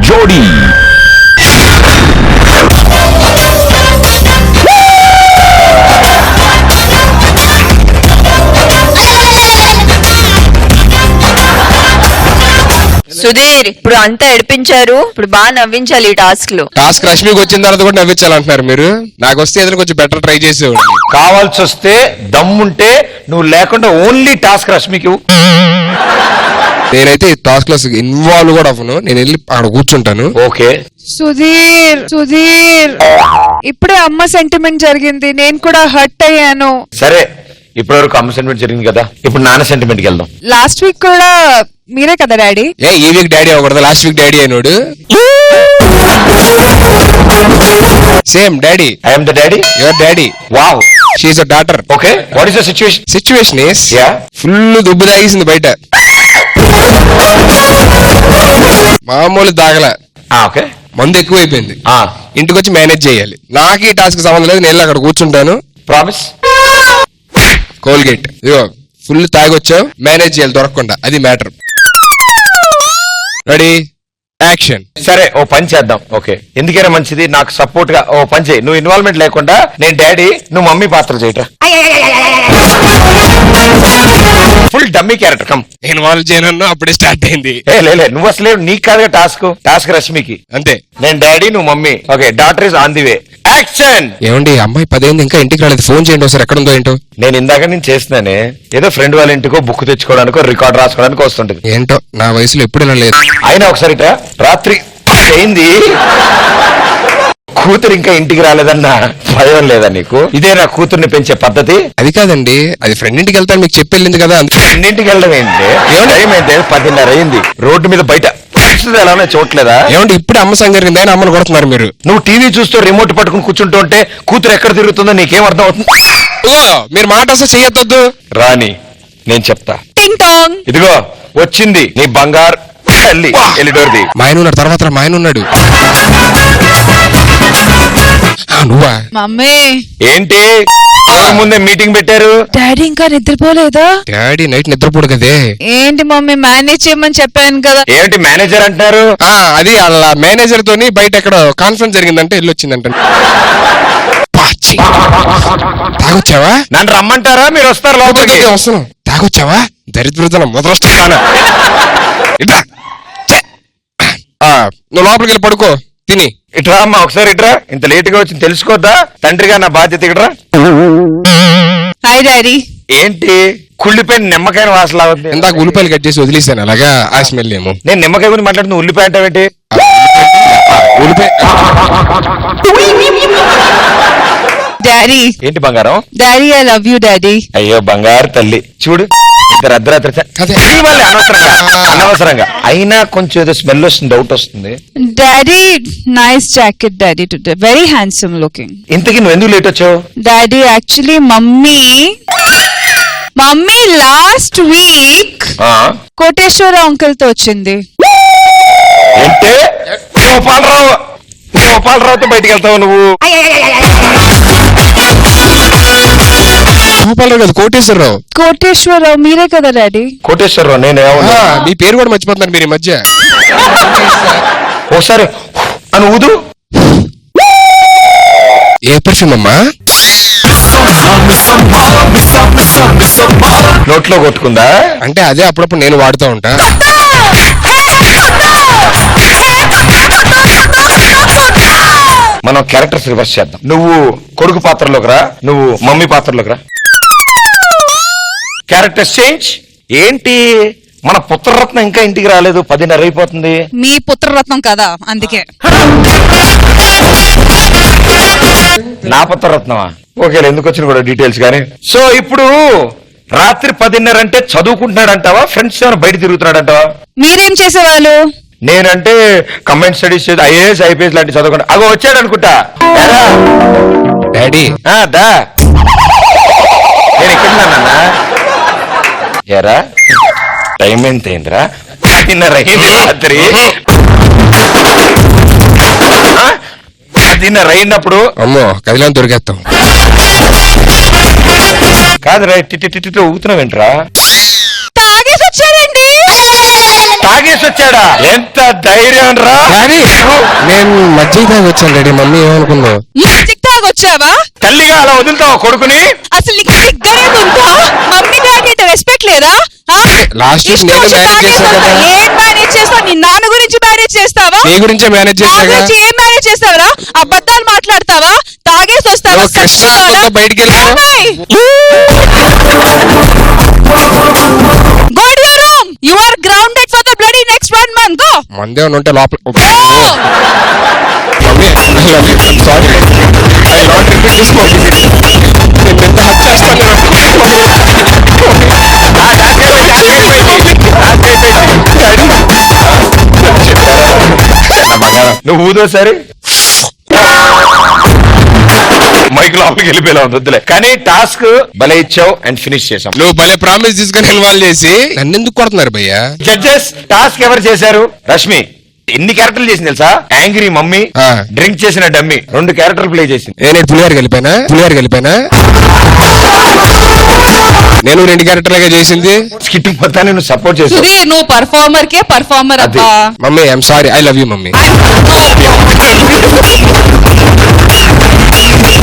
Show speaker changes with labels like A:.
A: జోడీ.
B: సుధీర్, ఇప్పుడు అంతా ఏడిపించారు, ఇప్పుడు బాగా నవ్వించాలి ఈ టాస్క్ లో.
C: టాస్క్ రష్మికి వచ్చిన తర్వాత కూడా నవ్వించాలంటున్నారు మీరు. నాకు వస్తే ఏదైనా కొంచెం బెటర్ ట్రై చేసేవాడిని.
A: కావాల్సి వస్తే దమ్ముంటే నువ్వు లేకుండా ఓన్లీ టాస్క్ రష్మికి.
C: నేనైతే ఈ టాస్క్ లో ఇన్వాల్వ్ కూడా అవ్వను. నేను వెళ్ళి అక్కడ కూర్చుంటాను.
A: ఓకే
D: సుధీర్, సుధీర్, ఇప్పుడే అమ్మ సెంటిమెంట్ జరిగింది, నేను కూడా హర్ట్ అయ్యాను.
A: సరే, ఇప్పటి వరకు అమ్మ సెంటిమెంట్ జరిగింది కదా, ఇప్పుడు నాన్న సెంటిమెంట్ కి వెళ్దాం.
D: లాస్ట్ వీక్ కూడా మీరే కదా డాడీ?
C: ఈ వీక్ డాడీ అవ్వకూడదు, లాస్ట్ వీక్ డాడీ అయినోడు. Same daddy.
A: I'm the daddy.
C: Your daddy.
A: Wow.
C: She is a daughter.
A: Okay, what is the situation?
C: Situation is
A: Yeah.
C: Full దుబ్బు తాగేసింది బయట. మామూలు దాగల,
A: ఓకే,
C: మందు ఎక్కువైపోయింది. ఇంటికి వచ్చి మేనేజ్ చేయాలి. నాకు ఈ టాస్క్ సంబంధం లేదు, నేను అక్కడ కూర్చుంటాను.
A: ప్రామిస్.
C: కోల్గేట్ ఇదిగో ఫుల్ తాగొచ్చావు, మేనేజ్ చేయాలి దొరకకుండా, అది మ్యాటర్. Ready, action.
A: సరే, ఓ పని చేద్దాం. ఓకే, ఎందుకైనా మంచిది, నాకు సపోర్ట్ గా ఓ పని చేయి. నువ్వు ఇన్వాల్వ్మెంట్ లేకుండా నేను డాడీ, నువ్వు మమ్మీ పాత్ర చేయటరా. Full dummy character. Come.
C: Involve చేయను, అప్పుడే స్టార్ట్ అయింది.
A: లే, నువ్వు అసలే నీకు కాదుగా టాస్క్ రష్మికి.
C: అంతే.
A: నేను డాడీ, నువ్వు mummy. Okay, daughter is on the way. Action.
C: ఏమండి, అమ్మాయి 10 అయింది, ఇంకా ఇంటికి రాలేదు. ఫోన్ చేయండి ఒకసారి, ఎక్కడ ఉందో ఏంటో.
A: నేను ఇందాక నేను చేస్తున్నానే, ఏదో ఫ్రెండ్ వాళ్ళ ఇంటికో బుక్ తెచ్చుకోవడానికో రికార్డ్ రాసుకోవడానికి వస్తుంటది.
C: ఏంటో నా వయసులో ఎప్పుడు ఇలా లేదు.
A: అయినా ఒకసారి రాత్రి అయింది, కూతురు ఇంకా ఇంటికి రాలేదన్న భయం లేదా నీకు? ఇదే నా కూతుర్ని పెంచే పద్ధతి?
C: అది కాదండి, అది ఫ్రెండ్ ఇంటికి వెళ్తాను మీకు చెప్పి వెళ్ళింది కదా.
A: ఇంటికి వెళ్ళడం ఏంటి? టైం అయితే 10:30 అయింది. రోడ్డు మీద బయట ఎలా చూడలేదా?
C: ఏమంటే ఇప్పుడు అమ్మ సంగరింది అని అమ్మను కొడుతున్నారు మీరు.
A: నువ్వు టీవీ చూస్తూ రిమోట్ పట్టుకుని కూర్చుంటూ ఉంటే కూతురు ఎక్కడ తిరుగుతుందో నీకేం అర్థం అవుతుంది?
C: మీరు మాట అసలు చేయొద్దు.
A: రాని, నేను చెప్తా.
D: టింగ్ టాంగ్.
A: ఇదిగో వచ్చింది నీ బంగారు తల్లి. ఎల్లిడోర్ది.
C: మా ఆయన ఉన్నాడు, తర్వాత మా ఆయన ఉన్నాడు. నువ్వా?
D: మమ్మీ.
A: ఏంటి ముందే మీటింగ్ పెట్టారు?
D: డాడీ ఇంకా నిద్రపోలేదా?
C: డాడీ నైట్ నిద్రపోడు కదే.
D: ఏంటి మమ్మీ, మేనేజ్ చేయమని చెప్పాను కదా.
A: ఏంటి మేనేజర్ అంటారు?
C: అది వాళ్ళ మేనేజర్ తోని బయట ఎక్కడ కాన్ఫరెన్స్ జరిగిందంటే వెళ్ళి వచ్చిందంట. తాగొచ్చావా?
A: నన్ను రమ్మంటారా? మీరు వస్తారు లోపలికి?
C: వస్తున్నాం. తాగొచ్చావా? దరిద్రతనం మొదలొస్తానా? నువ్వు లోపలికి వెళ్ళి పడుకో తిని.
A: ఇట్రా అమ్మా, ఒకసారి ఇట్రా. ఇంత లేట్ గా వచ్చి తెలుసుకోద్దా? తండ్రిగా నా బాధ్యత. ఇట్రా.
D: Hi daddy.
A: ఏంటి కుళ్ళిపోయిన నిమ్మకాయ వాసలా ఉంది?
C: ఇందాక ఉల్లిపాయలు కట్ చేసి వదిలేసాను, అలాగా ఆ స్మెల్ ఏమో.
A: నేను నిమ్మకాయ గురించి మాట్లాడుతున్నా, ఉల్లిపాయ అంటావేంటి?
C: ఉల్లిపాయ.
D: డాడీ.
A: ఏంటి బంగారం?
D: Daddy, I love you daddy.
A: అయ్యో బంగారు తల్లి, చూడు ఇంత అర్ధరాత్రి అనవసరంగా అయినా కొంచెం ఏదో స్మెల్ వస్తుంది, డౌట్ వస్తుంది.
D: Daddy, nice jacket daddy today, very handsome looking.
A: ఇంతకీ నువ్వు ఎందుకు లేట్ వచ్చావు?
D: Daddy, actually mummy last week Koteswararao uncle తో వచ్చింది.
A: ఏంటే గోపాలరావుతో బయటికి వెళ్తావు నువ్వు?
C: గోపాలరావు కాదు, కోటేశ్వరరావు.
D: కోటేశ్వరరావు మీరే కదా డాడీ?
A: కోటేశ్వరరావు నేను
C: మీ పేరు కూడా మర్చిపోతున్నారు మీరు ఈ మధ్య.
A: ఒకసారి అని ఊదు.
C: ఏ పర్ఫ్యూమ్ అమ్మా?
A: నోట్లో కొట్టుకుందా?
C: అంటే అదే అప్పుడప్పుడు నేను వాడుతూ ఉంటా.
A: మనం క్యారెక్టర్స్ రివర్స్ చేద్దాం. నువ్వు కొడుకు పాత్రలోకి రా, నువ్వు మమ్మీ పాత్రలోకి రా. Characters change. ఏంటి మన పుత్రరత్నం ఇంకా ఇంటికి రాలేదు, 10:30 అయిపోతుంది.
D: మీ పుత్రరత్నం కదా, అందుకే.
A: నా పుత్రరత్నమా? ఓకే, ఎందుకు వచ్చిన కూడా డీటెయిల్స్ గానీ. సో ఇప్పుడు రాత్రి 10:30 అంటే చదువుకుంటున్నాడు అంటావా, ఫ్రెండ్స్ ఏమైనా బయట తిరుగుతున్నాడు అంటావా?
D: మీరేం చేసేవాళ్ళు?
A: నేనంటే కంబైన్ స్టడీస్ చేసి IAS IPS లాంటి చదువుకుంటా. అగో వచ్చాడు అనుకుంటా.
C: డాడీ
A: దా, నేను ఎక్కడున్నానన్నా? ఎరా టైం ఎంత అయిందిరా? 10:30 అయింది రాత్రి. 10:30 అయినప్పుడు
C: అమ్మో కదిలాన్ని దొరికేస్తాం.
A: కాదురా, టిట్టి ఊగుతున్నావేంట్రా?
D: తాగేసి వచ్చాడండి.
A: తాగేసి తాగొచ్చాడా? ఎంత ధైర్యం రా!
C: డాడీ నేను మజ్జిగ తాగి వచ్చాను డాడీ. మమ్మీ ఏమనుకుందో?
D: మ్యాజిక్ తాగొచ్చావా?
A: తల్లిగా అలా వదులుతావా కొడుకుని?
D: అసలు నీకు సిగ్గనేదుందా? మమ్మీ డాడీ రెస్పెక్ట్ లేదా?
C: లాస్ట్ వీక్ నేను మేనేజ్ చేశాను కదా.
D: ఏం మేనేజ్ చేస్తావు? నీ నాన్న గురించి మేనేజ్ చేస్తావా?
C: నీ గురించే మేనేజ్
D: నా
C: చేశాగా.
D: గురించి ఏం మేనేజ్ చేస్తావరా? అబద్ధాలు మాట్లాడతావా? తాగేసి వస్తావా?
C: నువ్వు కృష్ణ ఆత్మతో బయటికి వెళ్ళిపో.
D: Go to your room. You are grounded for the bloody next 1 month. Go.
C: మందే ఉంటే లోపల.
D: Go.
C: Mummy sorry, I not repeat this mummy. నేను ఎంత హత్య చేస్తాను.
A: నువ్వు ఊదోసారి మైక్ లోపలికి వెళ్ళిపోయేలా ఉంది, వద్దులే. కానీ టాస్క్ భలే ఇచ్చావు అండ్ ఫినిష్ చేసాం.
C: నువ్వు భలే ప్రామిస్ తీసుకొని ఇన్వాల్వ్ చేసి నన్ను ఎందుకు కొడుతున్నారు భయ్యా?
A: జడ్జెస్ టాస్క్ ఎవరు చేశారు? రష్మి ఎన్ని క్యారెక్టర్లు చేసింది తెలుసా? యాంగ్రీ మమ్మీ,
C: ఆ.
A: డ్రింక్ చేసిన డమ్మీ, 2 క్యారెక్టర్లు ప్లే చేసింది.
C: నేను పులిహార కలిపానా? నేను 2 క్యారెక్టర్లుగా చేసింది.
A: స్కిట్ మొత్తాన్ని నువ్వు సపోర్ట్ చేసావు.
D: సుధీర్ నువ్వు పర్ఫార్మర్ కే పర్ఫార్మర్
A: అది.
D: అబ్బా.
C: Mummy I'm sorry, I love you mummy.